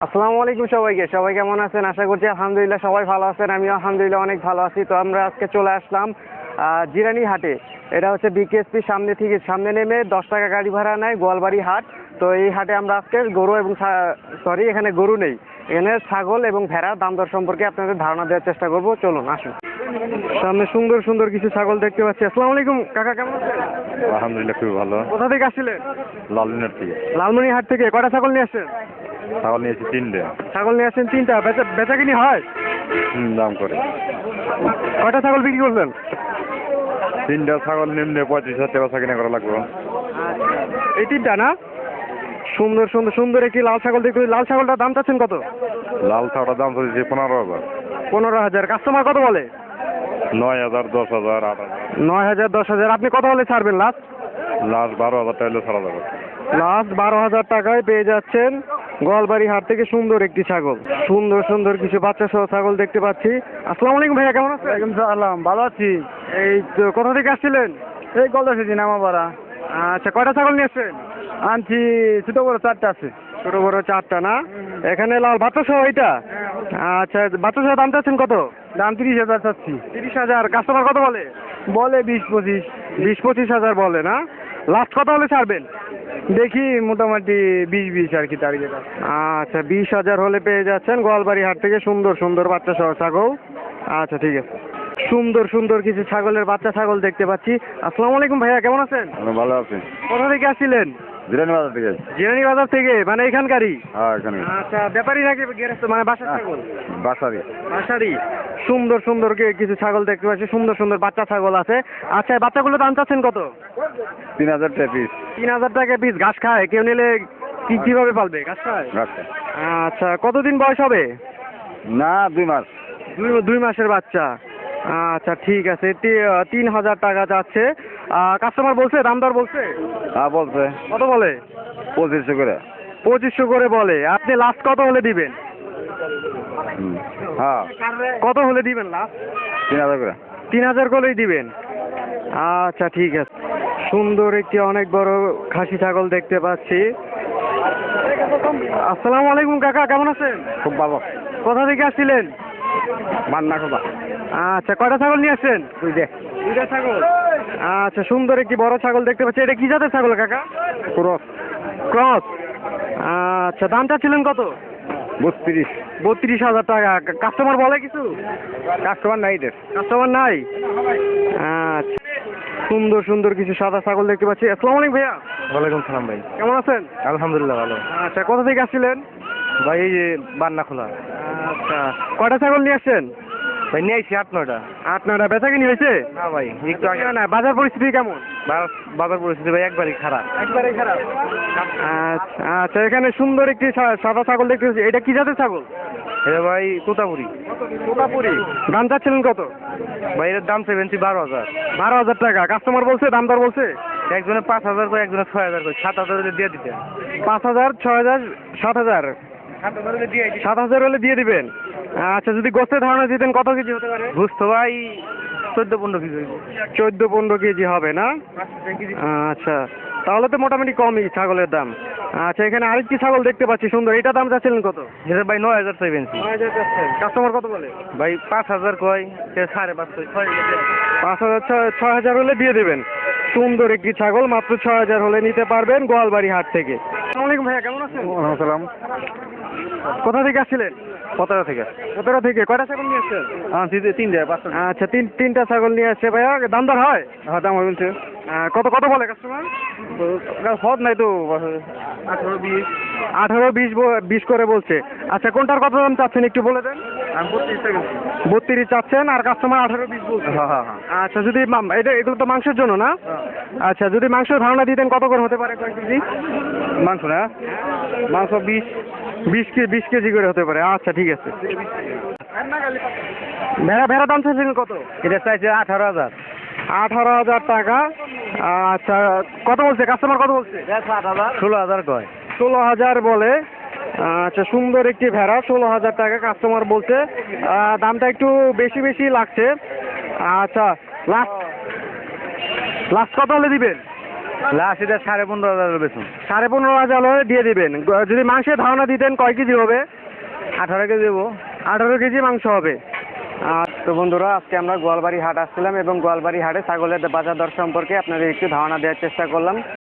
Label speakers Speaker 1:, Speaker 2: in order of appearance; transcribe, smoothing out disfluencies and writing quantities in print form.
Speaker 1: আসসালামু আলাইকুম সবাইকে। সবাই কেমন আছেন? আশা করছি আলহামদুলিল্লাহ সবাই ভালো আছেন। আমিও আলহামদুলিল্লাহ অনেক ভালো আছি। তো আমরা আজকে চলে আসলাম জিরানি হাটে। এটা হচ্ছে বিকেএসপি সামনে নেমে 10 টাকা গাড়ি ভাড়া নেয়, গোয়ালবাড়ি হাট। তো এই হাটে আমরা আজকে গরু এবং এখানে গরু নেই, এখানে ছাগল এবং ভেড়া দাম দর সম্পর্কে আপনাদের ধারণা দেওয়ার চেষ্টা করব। চলুন আসুন। সামনে সুন্দর সুন্দর কিছু ছাগল দেখতে পাচ্ছি। আসসালামু আলাইকুম কাকা, কেমন আছেন?
Speaker 2: আলহামদুলিল্লাহ খুবই ভালো।
Speaker 1: কোথা থেকে আসছিলেন?
Speaker 2: লালমিনার থেকে
Speaker 1: লালমনিরহাট থেকে। কয়টা ছাগল নিয়ে আসছেন?
Speaker 2: ছাগল নিয়েছি 3টে।
Speaker 1: ছাগল নিয়ে আসছেন 3টা। বেচা কিনি হয়?
Speaker 2: দাম করে
Speaker 1: কয়টা ছাগল বিক্রি করলেন?
Speaker 2: 3টা ছাগল নিম্নে 35,000 টাকা বেচা কিনা করা লাগবে।
Speaker 1: এই 3টা না? সুন্দর সুন্দর সুন্দর একটি লাল ছাগল দেখতে। লাল ছাগলটার দাম চাচ্ছেন কত?
Speaker 2: লাল ছাগলটার দাম চলছে 15,000।
Speaker 1: 15,000। কাস্টমার কত বলে?
Speaker 2: 9,000, 10,000, 8,000।
Speaker 1: 9,000, 10,000। আপনি কত হলে ছাড়বেন লাস্ট?
Speaker 2: লাস্ট 12,000 টাকা হলে ছাড়া যাবে।
Speaker 1: লাস্ট 12,000 টাকায় পেয়ে যাচ্ছেন গোয়ালবাড়ি হাট থেকে সুন্দর একটি ছাগল। সুন্দর সুন্দর কিছু বাচ্চা সহ ছাগল দেখতে পাচ্ছি। আসসালামু আলাইকুম ভাইয়া, কেমন আছেন?
Speaker 3: ওয়ালাইকুম সালাম, ভালো আছি।
Speaker 1: এই তো কোথা থেকে আসছিলেন?
Speaker 3: এই গলদা সেদিন নামাপাড়া
Speaker 1: আচ্ছা, কয়টা ছাগল নিয়ে আসছেন?
Speaker 3: আনছি, ছোট বড় 4টা আছে।
Speaker 1: ছোট বড় 4টা না? এখানে লাল বাচ্চা সহ এইটা? আচ্ছা, বাচ্চা সহ দাম চাচ্ছেন কত?
Speaker 3: দাম 30,000 চাচ্ছি।
Speaker 1: 30,000। কাস্টমার কত বলে?
Speaker 3: বলে 20-25।
Speaker 1: 20-25,000 বলে না? লাস্ট কত হলে ছাড়বেন?
Speaker 3: দেখি মোটামুটি 20-20 আর কি টার্গেট আছে।
Speaker 1: আচ্ছা, 20,000 হলে পেয়ে যাচ্ছেন গোয়ালবাড়ি হাট থেকে সুন্দর সুন্দর বাচ্চা সহ ছাগল। আচ্ছা ঠিক আছে। সুন্দর সুন্দর কিছু ছাগলের বাচ্চা ছাগল দেখতে পাচ্ছি। আসসালামু আলাইকুম ভাইয়া, কেমন আছেন?
Speaker 2: আমি ভালো আছি।
Speaker 1: কোথা থেকে আসছিলেন?
Speaker 2: জিরানি বাজার থেকে।
Speaker 1: জিরানি বাজার থেকে, মানে এখানকারই?
Speaker 2: হ্যাঁ, এখানে।
Speaker 1: আচ্ছা, ব্যাপারী নাকি গেরস্ত, মানে বাসার ছাগল?
Speaker 2: বাসারি।
Speaker 1: বাসারই। সুন্দর সুন্দর কিছু ছাগল দেখতে পাচ্ছি, সুন্দর সুন্দর বাচ্চা ছাগল আছে। আচ্ছা, বাচ্চাগুলো দাম চাচ্ছেন কত?
Speaker 2: 3,000 টাকা পিস।
Speaker 1: 3,000 টাকা পিস। ঘাস খায়? কেউ নিলে কিভাবে পালবে? ঘাস খায়?
Speaker 2: আচ্ছা।
Speaker 1: আচ্ছা, কতদিন বয়স হবে?
Speaker 2: না, 2 মাস।
Speaker 1: 2 মাসের বাচ্চা। আচ্ছা ঠিক আছে। 3,000 টাকা যাচ্ছে। কাস্টমার বলছে, দাম দর বলছে?
Speaker 2: হ্যাঁ বলছে।
Speaker 1: কত বলে?
Speaker 2: 2500 করে।
Speaker 1: 2500 করে বলে। আপনি লাস্ট কত হলে দিবেন?
Speaker 2: হ্যাঁ,
Speaker 1: কত হলে দিবেন লাস্ট?
Speaker 2: 3,000 করে।
Speaker 1: 3,000 করেই দিবেন। আচ্ছা ঠিক আছে। সুন্দর একটি অনেক বড় খাসি ছাগল দেখতে পাচ্ছি। আসসালামু আলাইকুম কাকা, কেমন আছেন?
Speaker 2: খুব ভালো।
Speaker 1: কোথা থেকে আসছিলেন?
Speaker 2: মান্না কথা।
Speaker 1: আচ্ছা, কয়টা ছাগল নিয়ে আসছেন? 2টা ছাগল। আচ্ছা, সুন্দর একটি বড় ছাগল দেখতে পাচ্ছি। এটা কি জাতের ছাগল কাকা?
Speaker 2: ক্রস।
Speaker 1: ক্রস। আচ্ছা, দাম চাচ্ছিলেন কত?
Speaker 2: 32।
Speaker 1: 32,000 টাকা। কাস্টমার বলে কিছু?
Speaker 2: কাস্টমার নাই রে।
Speaker 1: কাস্টমার নাই? আচ্ছা, সুন্দর সুন্দর কিছু সাদা ছাগল দেখতে পাচ্ছি। আসসালামু আলাইকুম ভাইয়া।
Speaker 3: ওয়ালাইকুম সালাম ভাই।
Speaker 1: কেমন আছেন?
Speaker 3: আলহামদুলিল্লাহ ভালো।
Speaker 1: আচ্ছা, কোথা থেকে আসছিলেন?
Speaker 3: ভাই এই যে বান্না খোলা।
Speaker 1: আচ্ছা, কয়টা ছাগল নিয়ে আসছেন?
Speaker 3: ভাই নিয়ে আইছি 8-9টা।
Speaker 1: 8-9টা। বেচা কিনি হয়েছে?
Speaker 3: না ভাই, একটু আগে।
Speaker 1: না, বাজার পরিস্থিতি কেমন?
Speaker 3: বাজার পরিস্থিতি ভাই একবারই খারাপ।
Speaker 1: একবারে খারাপ। আচ্ছা আচ্ছা, এখানে সুন্দর একটি সাদা ছাগল দেখতে পাচ্ছি। এটা কি জাতের ছাগল?
Speaker 3: এটা ভাই তোতাপুরি।
Speaker 1: তোতাপুরি। দাম চাচ্ছিলেন কত?
Speaker 3: ভাই এর দাম 12,000।
Speaker 1: 12,000 টাকা। কাস্টমার বলছে, দাম দর বলছে?
Speaker 3: একজনে 5,000 করে, একজনে 6,000 করে। 7,000 হলে দিয়ে দিতে।
Speaker 1: 5,000, 6,000, 7,000।
Speaker 3: 7,000 হলে দিয়ে দিতে।
Speaker 1: 7,000 হলে দিয়ে দিবেন। আচ্ছা, যদি গোস্তের ধারণা দিতেন কত কেজি হতে পারে?
Speaker 3: বুঝতো ভাই 14-15 কেজি হইব।
Speaker 1: 14-15 কেজি হবে না? আচ্ছা, তাহলে তো মোটামুটি কমই ছাগলের দাম। আচ্ছা, এখানে আরেকটি ছাগল দেখতে পাচ্ছি সুন্দর। এটা দাম চাচ্ছিলেন কত?
Speaker 3: এটা ভাই 9,000 চাইবেন।
Speaker 1: 9,000 চাচ্ছেন। কাস্টমার কত বলে?
Speaker 3: ভাই 5,000 কয়, সে 5,500, 6,000।
Speaker 1: 5,000, 6,000 হলে দিয়ে দেবেন। সুন্দর একটি ছাগল, মাত্র 6,000 হলে নিতে পারবেন গোয়ালবাড়ি হাট থেকে। আসসালামু আলাইকুম ভাইয়া, কেমন আছেন?
Speaker 2: সালাম।
Speaker 1: কোথা থেকে আসছিলেন?
Speaker 2: 17 থেকে।
Speaker 1: 17 থেকে। কয়টা ছাগল নিয়ে আসছেন?
Speaker 2: হ্যাঁ, 3 5।
Speaker 1: আচ্ছা, তিনটা ছাগল নিয়ে আসছে ভাইয়া। দাম দর হয়?
Speaker 2: হ্যাঁ, দাম বলছে।
Speaker 1: কত কত বলে কাস্টমার?
Speaker 2: হদ নাই তো। 18-20।
Speaker 1: 18-20 করে বলছে। আচ্ছা, কোনটার কত দাম চাচ্ছেন একটু বলে দেন।
Speaker 2: আমি 32 টাকা।
Speaker 1: 32 চাচ্ছেন আর কাস্টমার 18-20 বলছে।
Speaker 2: হ্যাঁ হ্যাঁ হ্যাঁ।
Speaker 1: আচ্ছা, যদি এগুলো তো মাংসের জন্য না? আচ্ছা, যদি মাংসের ধারণা দিতেন কত করে হতে পারে, কয় কেজি?
Speaker 2: মাংস না? মাংস
Speaker 1: 20 কেজি করে হতে পারে। আচ্ছা ঠিক আছে। ভেড়া দাম চাইছেন কত?
Speaker 2: এটা চাইছে 18,000।
Speaker 1: 18,000 টাকা। আচ্ছা, কত বলছে কাস্টমার, কত বলছে?
Speaker 2: 16,000 কয়।
Speaker 1: 16,000 বলে। আচ্ছা, সুন্দর একটি ভেড়া, 16,000 টাকা কাস্টমার বলছে। দামটা একটু বেশি বেশি লাগছে। আচ্ছা, লাস্ট কত হলে দিবেন?
Speaker 2: লাস্ট এটা 15,500 বেতন।
Speaker 1: 15,500 হলে দিয়ে দিবেন। যদি মাংসের ধারণা দিতেন কয় কেজি হবে?
Speaker 2: 18 কেজি দেবো।
Speaker 1: 18 কেজি মাংস হবে। তো বন্ধুরা, আজকে আমরা গোয়ালবাড়ি হাট আসছিলাম এবং গোয়ালবাড়ি হাটে ছাগলের বাজার দর সম্পর্কে আপনাদের একটু ধারণা দেওয়ার চেষ্টা করলাম।